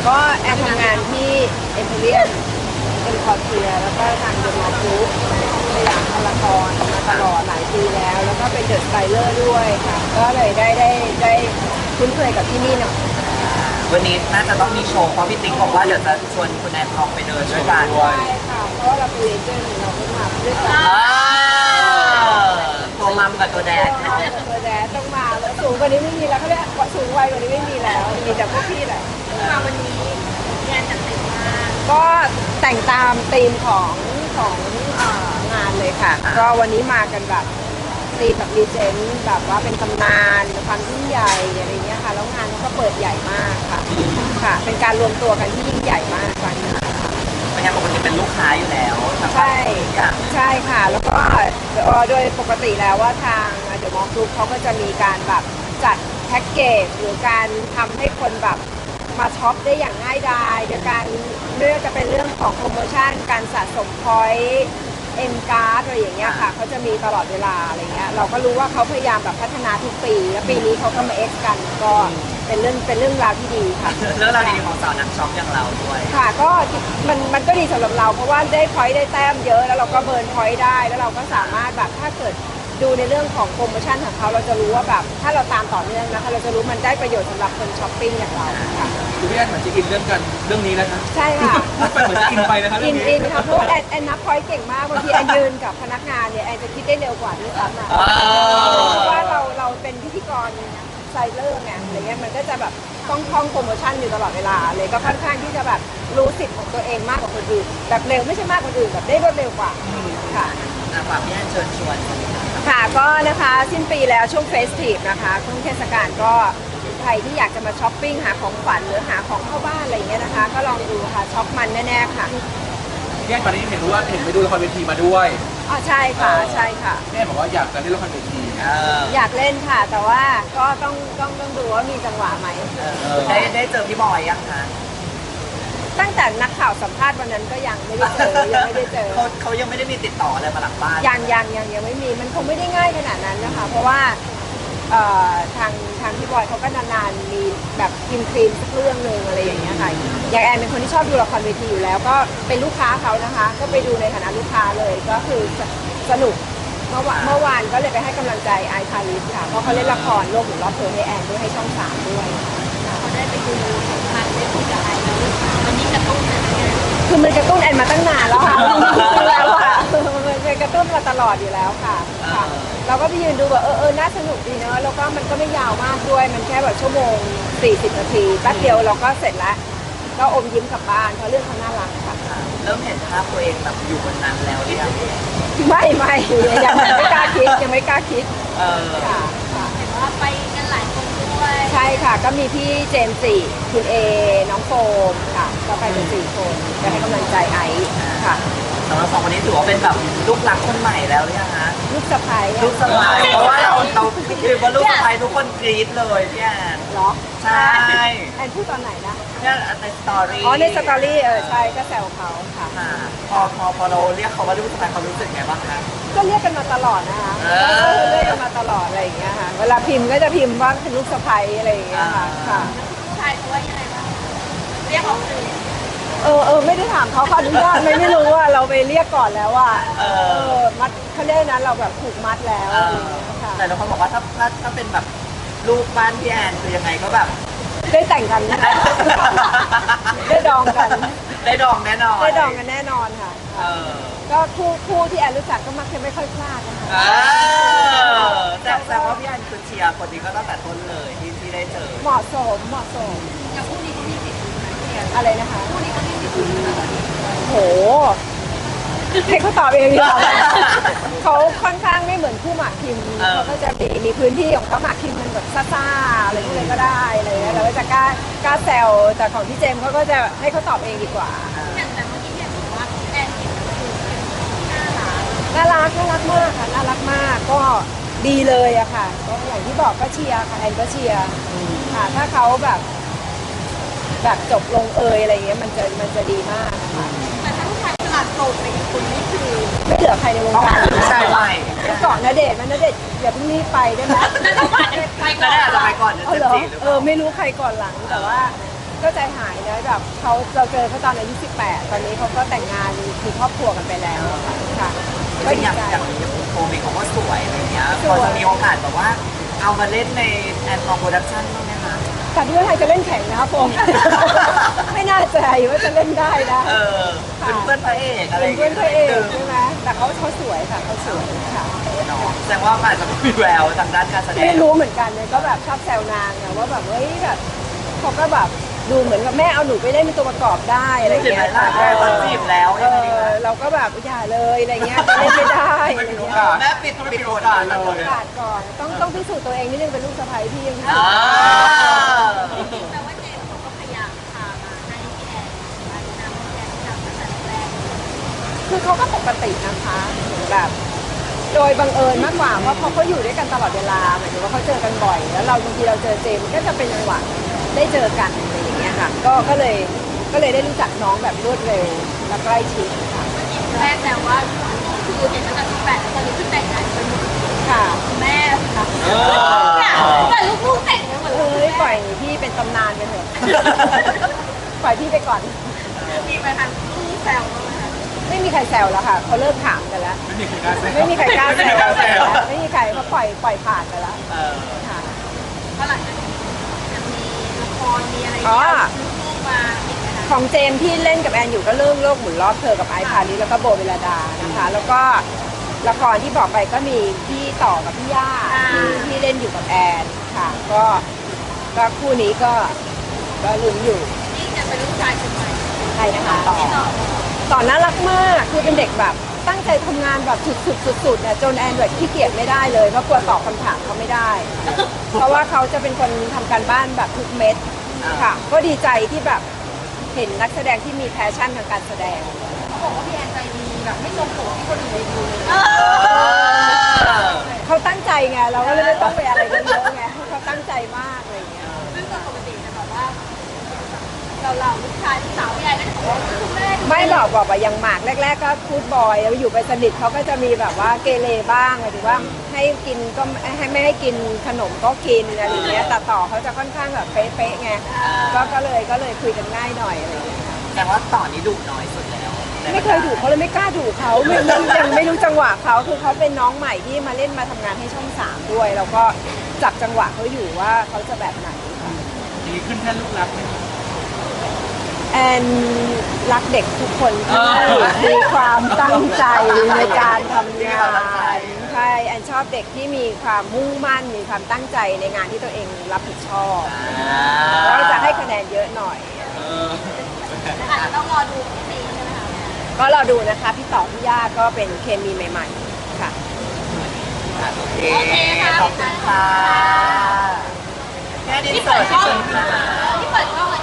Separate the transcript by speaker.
Speaker 1: ก็แอนทำงานที่เอ็มพีเรียมเป็นคอร์เทียแล้วก็ทางเดอะมอลล์กรุ๊ปสยามพารากอนมาตลอดหลายปีแล้วก็เป็นเดอะสไตเลอร์ด้วยค่ะก็เลยได้คุ้นเคยกับที่นี่หน่อย
Speaker 2: วันนี้น่าจะต้องมีโชว์เพราะพี่ติ๊กบอกว่าเดี๋ยวจะชวนคุณแอนทองไปเดินด้วยกัน
Speaker 1: ใช่ค่ะเพราะว่าเราเป็นเลเจนด์เราก็มาด้วยกัน
Speaker 2: ตัวมัมกับตัวแดด
Speaker 1: ตัวแดดต้องมาแล้วสูงกว่านี้ไม่มีแล้วเขาเรียกว่าสูงวัยกว่านี้ไม่มีแล้วมีแต่พวกพี่แหละมาวันนี้งานจัดเต็มมากก็แต่งตามธีมของงานเลยค่ะก็วันนี้มากันแบบธีมแบบรีเจนต์แบบว่าเป็นตำนานความยิ่งใหญ่อะไรเงี้ยค่ะแล้วงานก็เปิดใหญ่มากค่ะเป็นการรวมตัวกันที่ยิ่งใหญ่มากครั้งนี้
Speaker 2: เป็นงานปกติเป็นลูกค้าอยู่แล้ว
Speaker 1: ใช่ค่ะแล้วก็โดยปกติแล้วว่าทางเดอะมอลล์กรุ๊ปเขาก็จะมีการแบบจัดแพ็กเกจหรือการทำให้คนแบบมาช็อปได้อย่างง่ายดายโดยการเลือกจะเป็นเรื่องของโปรโมชั่นการสะสมพอยต์เอ็มการ์ดอะไรอย่างเงี้ยค่ะเขาจะมีตลอดเวลาอะไรเงี้ยเราก็รู้ว่าเขาพยายามแบบพัฒนาทุกปีและปีนี้เขาก็มาเอ็กซ์กันก็เป็นเรื่องราวที่ดีค่ะ
Speaker 2: เรื่องราวดีของสาวนักช็อปอย่างเราด้วย
Speaker 1: ค่ะก็มันก็ดีสำหรับเราเพราะว่าได้พอยต์ได้แต้มเยอะแล้วเราก็เบิร์นพอยต์ได้แล้วเราก็สามารถแบบถ้าเกิดดูในเรื่องของโปรโมชั่นของเขาเราจะรู้ว่าแบบถ้าเราตามต่อเนื่องนะคะเราจะรู้มันได้ประโยชน์สำหรับคนช้อปปิ้งอย่างเราค่ะ
Speaker 3: คือพี่แอนเหมือนจะอินเรื่องนี้แล้วนะ
Speaker 1: ใช่ค่ะ
Speaker 3: เหมือนจะอินไปนะครับ
Speaker 1: อินค่ะเพราะว่าแอนนับพอยต์เก่งมากบางทีแอนยืนกับพนักงานเนี่ยแอนจะคิดได้เร็วกว่าด้วยซ้ำเพราะว่าเราเป็นพิธีกรไซเลอร์ไงอะไรเงี้ยมันก็จะแบบท่องโปรโมชั่นอยู่ตลอดเวลาเลยก็ค่อนข้างที่จะแบบรู้สิทธิ์ของตัวเองมากกว่าคนอื่นแบบเร็วไม่ใช่มากกว่าคนอื่นแบบได้รวดเร็วกว่าค่ะ
Speaker 2: ฝากพี่แอนเชิญชวน
Speaker 1: ค่ะก็นะคะสิ้นปีแล้วช่วงเฟสทีฟนะคะช่วงเทศกาลก็ใครที่อยากจะมาช้อปปิ้งหาของขวัญหรือหาของเข้าบ้านอะไรเงี้ยนะคะก็ลองดูค่ะช็อปมันแน่ๆค่ะ
Speaker 3: พี่แอนตอนนี้เห็นไปดูละครเวทีมาด้วย
Speaker 1: อ๋อใช่ค่ะใช่ค่ะ
Speaker 3: พี่แอนบอกว่าอยากจะเล่นละครเวที
Speaker 1: อยากเล่นค่ะแต่ว่าก็ต้องดูว่ามีจังหวะไหม
Speaker 2: ได้เจอพี่บอยยังคะ
Speaker 1: ตั้งแต่นักข่าวสัมภาษณ์วันนั้นก็ยังไม่ได้เจอ
Speaker 2: เขายังไม่ได้มีติดต่ออะไรมาหลังบ้าน
Speaker 1: ยังไม่มีมันคงไม่ได้ง่ายขนาดนั้นนะคะเพราะว่าทางพี่บอยเขาก็นานๆมีแบบกินครีมสักเรื่องนึงอะไรอย่างเงี้ยค่ะอย่างแอนเป็นคนที่ชอบดูละครเวทีอยู่แล้วก็เป็นลูกค้าเขานะคะก็ไปดูในฐานะลูกค้าเลยก็คือสนุกเมื่อวานก็เลยไปให้กำลังใจไอพาริสค่ะเพราะเขาเล่นละครโลกหมุนรอบเธอให้แอนด้วยให้ช่อง3ด้วย
Speaker 4: เขาได้ไปดูทางได้คุยกับไอวันนี้กระตุ้นอะไรเงี้ย
Speaker 1: คือมันกระตุ้นแอนมาตั้งนานแล้วค่ะแล้วค่ะมันเป็นกระตุ้นมาตลอดอยู่แล้วค่ะเราก็ไปยืนดูแบบน่าสนุกดีเนอะแล้วก็มันก็ไม่ยาวมากด้วยมันแค่แบบชั่วโมง40 นาทีแป๊บเดียวเราก็เสร็จแล้วก็อมยิ้มกลับบ้านเพราะเรื่องเขาน่ารักค่ะ
Speaker 2: เริ่มเห็นภาพตัวเองแบบอยู่บนนั้นแล้วหรือยัง
Speaker 1: ไม่ยังไม่กล้าคิดค่ะ
Speaker 4: เห็นว่าไปกันหลายคนด้วย
Speaker 1: ใช่ค่ะก็มีพี่เจมส์สี่คุณเอน้องโฟมค่ะก็ไปกัน4 คนจะให้กำลังใจไอซ์ค่ะ
Speaker 2: สำหรับ2 คนนี้ถือว่าเป็นแบบลูกรักคนใหม่แล้วหรือยังคะ
Speaker 1: ลูกสะใภ้
Speaker 2: เพราะว่าเราคือว่าลูกสะใภ้ทุกคนกรี๊ดเลยพี่แอน
Speaker 1: เหรอ
Speaker 2: ใช่
Speaker 1: แอนพูดตอนไหนนะ
Speaker 2: เนี่ยในสตอรี่
Speaker 1: ในสตอรี่ใช่ก็แซวเขาค่ะ
Speaker 2: พอเราเรียกเขาว่าลูกสะใภ้เขารู้สึกไงบ้างคะ
Speaker 1: ก็เรียกกันมาตลอดนะคะเรียกกันมาตลอดอะไรอย่างเงี้ยค่ะเวลาพิมพ์ก็จะพิมพ์ว่าเป็นลูกสะใภ้อะไรอย่างเงี้ยค่ะ
Speaker 4: ผู้ชายเขาว่ายังไงบ้างเรียกออกสื่อ
Speaker 1: ไม่ได้ถามเขาอนุญาตไม่รู้ว่าเราไปเรียกก่อนแล้วว่ามัดเขาเรียกนะเราแบบผูกมัดแล้ว
Speaker 2: แต่เราคนบอกว่าถ้าเป็นแบบลูกบ้านพี่แอนคือยังไงก็แบบ
Speaker 1: ได้แต่งกันนะได้ดองกัน
Speaker 2: ได้ดองแน่นอน
Speaker 1: ได้ดองกันแน่นอนค่ะก็คู่ที่แอนรู้จักก็มักจะไม่ค่อยพลาดนะคะ
Speaker 2: แต่ว่าพี่แอนคือเชียร์คนนี้ก็ตั้งแต่ต้นเลยที่ได้เจอ
Speaker 1: เหมาะสม
Speaker 4: อย่างคู่นี้ก็มีสิทธิ์
Speaker 1: อะไรนะคะ
Speaker 4: คู่นี้ก็มีสิทธิ์
Speaker 1: โหให้เขาตอบเองดีกว่าเขาค่อนข้างไม่เหมือนคู่หมากคิมเขาก็จะมีพื้นที่ของเขาหมากคิมมันแบบซ่าๆอะไรก็ได้อะไรเงี้ยเราก็จะกล้าแซวแต่ของพี่เจมเขาก็จะให้เขาตอบเองดีกว่า
Speaker 4: อย่างแต่เมื่อกี้เนี่ยบอกว่าแอนเห็น
Speaker 1: น่ารักมากค่ะน่ารักมากก็ดีเลยอะค่ะก็อย่างที่บอกก็เชียร์ค่ะแอนก็เชียร์ค่ะถ้าเขาแบบจบลงอะไรเงี้ยมันจะดีมากนะคะ
Speaker 4: แต่ถ้าผู้ชายตลาดโสดไปอีกคนนี่คือ
Speaker 1: ไม่เหลือใครในวงการ
Speaker 2: ใช่ไหม
Speaker 1: ก่อนณเดชน์อย่าเพิ่งรีบไปได้ไหม
Speaker 2: ไปก่อนจะไปก่อน
Speaker 1: ไม่รู้ใครก่อนหลังแต่ว่าก็ใจหายนะแบบเราเจอเขาตอนอายุ18 ตอนนี้เขาก็แต่งงานมีครอบครัวกันไปแล้วค่ะ
Speaker 2: จ
Speaker 1: ก็
Speaker 2: ริงๆ
Speaker 1: ดี
Speaker 2: อย่าง
Speaker 1: ใจ
Speaker 2: อย่างโฟมเองเขาก็สวยอะไรเงี้ย
Speaker 1: ส
Speaker 2: พ
Speaker 1: วย
Speaker 2: อจะมีโอกาสแบบว่าเอามาเล่นในแอนทองโปรดักชั่นบ้างไหมคะ
Speaker 1: แต่ที่ว่าไทยจะเล่นแข่งนะครับผม ไม่น่าใจว่าจะเล่นได้นะ
Speaker 2: เออเป็นเพื่อนพระเอกอะไร
Speaker 1: เป็นเพื่อนพระเอกใช่ไหมแต่เขาสวยค่ะเขาสวยค่ะ
Speaker 2: เนาะแสดงว่าอาจจะมีแววทางด้านการแสดง
Speaker 1: ไม่รู้เหมือนกันเนี่ยก็แบบชอบแซวนางอะว่าแบบเฮ้ยแบบเขาก็แบบดูเหมือนกับแม่เอาหนูไปเล่นเป็นตัวประกอบได้อะไร
Speaker 2: เห็น
Speaker 1: เงี้
Speaker 2: ไหม
Speaker 1: ย
Speaker 2: ล่ะตอนจีบแล้ว
Speaker 1: เอ
Speaker 2: ยังไงดี
Speaker 1: อ
Speaker 2: คะ
Speaker 1: เราก็แบบอย่าเลยอะไรเงี้ยเล่นไม่ได้อะไรเงี้ย
Speaker 2: แม่ปิดโอกาสเล
Speaker 1: โอย กาสก่อนต้องพิสูจน์ตัวเองนิดนึงเป็นลูกสะใภ้พี่ยังพิสูจน์
Speaker 4: แต่ว่าเจมส์เขาก็พยายามพามาให้พี่แอนมาแนะนำพี่แอนทำตั้งแต่แรก
Speaker 1: คือเขาก็ปกตินะคะเหมือนแบบโดยบังเอิญมากกว่าเพราะเขาอยู่ด้วยกันตลอดเวลาหมายถึงว่าเขาเจอกันบ่อย แล้วเราบางทีเราเจอเจมส์ก็จะเป็นจังหวะได้เจอกันอะไรอย่างเงี้ยค่ะก็เลยได้รู้จักน้องแบบรวดเร็วและใกล้ชิดค่ะ
Speaker 4: แม่แต่ว่าคือเห็นตั้งแต่18แล้วตอนนี้คือแต่งงานเป็น
Speaker 1: ค่ะ
Speaker 4: แม่ค่ะแต่ลูกๆแต่งกันหมดเล
Speaker 1: เฮ้
Speaker 4: ย
Speaker 1: ยปล่อยพี่เป็นตำนานไปเถอะ ปล่อยพี่ไปก่อน
Speaker 4: มีไปทางลูกแซวบ้างไหมคะ
Speaker 1: ไม่มีใครแซวแล้วค่ะเขาเลิกถามกันแล้ว
Speaker 3: ไม่มีใครกล้าแซว
Speaker 1: ไม่มีใครกล้าแซว
Speaker 3: ไม่มีใครกล้าแซว
Speaker 1: ไม่มีใครเขาปล่อยผ่านไปแล้ว
Speaker 2: เออ
Speaker 1: ค่ะ
Speaker 4: เพราะหลังจากนี้จะมีละครมีอะไร
Speaker 1: อ๋อ
Speaker 4: ลูกมาอีกไหมคะ
Speaker 1: ของเจมส์ที่เล่นกับแอนอยู่ก็เรื่องโลกหมุนรอบเธอกับไอซ์พาริสแล้วก็โบเวลาดานะคะ แล้วก็ละครที่บอกไปก็มีพี่ต่อกับพี่ย่าที่เล่นอยู่กับแอนค่ะ ก็คู่นี้ก็ลุ้นอยู่
Speaker 4: นี่จะเป็นลูกชายคนใหม่
Speaker 1: ใครนะคะ
Speaker 4: ที่ต่อ
Speaker 1: ต่อน่ารักมากคือเป็นเด็กแบบตั้งใจทำงานแบบสุดๆเนี่ยจนแอนแบบขี้เกียจไม่ได้เลยเพราะกลัวตอบคำถามเขาไม่ได้ เพราะว่าเขาจะเป็นคนทำการบ้านแบบทุกเม็ดค่ะ ก็ดีใจที่แบบเห็นนักแสดงที่มีแพชชั่นทางการแสดง
Speaker 4: เขาบอกว่าพี่แอนใจดีแบบไม่ทรงผมที่คนอื่นดูเลย
Speaker 1: เขาตั้งใจไงเราก็เลยไม่ต้องไปอะไรกันเยอะไงเขาตั้งใจมากอะไรอย่างเงี้ย
Speaker 4: ซึ่งปกติจะแบบว่าเราลูกชายลูกสาวพี่แอนก็จะบอกว่าคุณแม่ดู
Speaker 1: ไม่บอกว่าอย่างหมากแรก ๆ ก็พูดบอยแล้วอยู่ไปสนิทเขาก็จะมีแบบว่าเกเรบ้างหมายถึงว่าให้กินก็ไม่ให้กินขนมก็กินอะไรอย่างเงี้ยแต่ต่อเขาจะค่อนข้างแบบเป๊ะๆไงก็เลยคุยกันง่ายหน่อยอะไรอย่างเงี้ย
Speaker 2: แต่ว่าต่อนี้ดุน้อยสุดแล้ว
Speaker 1: ไม่เคยดุเขาเลยไม่กล้าดุเขายังไม่รู้จังหวะเขาคือเขาเป็นน้องใหม่ที่มาเล่นมาทำงานให้ช่อง3ด้วยแล้วก็จับจังหวะเขาอยู่ว่าเขาจะแบบไหนค่ะ
Speaker 3: ดีขึ้นแค่ลูกรักไหม
Speaker 1: แอนรักเด็กทุกคนที่มีความตั้งใจในการทำงานใช่แอนชอบเด็กที่มีความมุ่งมั่นมีความตั้งใจในงานที่ตัวเองรับผิดชอบแล้วจะให้คะแนนเยอะหน่อย
Speaker 4: อาจจะต้องรอดูพี่ตีใช่ไหมคะ
Speaker 1: ก็รอดูนะคะพี่ต่อพี่ย่าก็เป็นเคมีใหม่ๆค่ะ
Speaker 2: โอเคขอบคุณค่ะแค่ดิน
Speaker 4: ที่
Speaker 2: เสิ
Speaker 4: เปิ
Speaker 2: ร์
Speaker 4: ด
Speaker 2: ช
Speaker 4: กล้อง
Speaker 2: ที่เปิด
Speaker 4: ที่เปิดกล้อง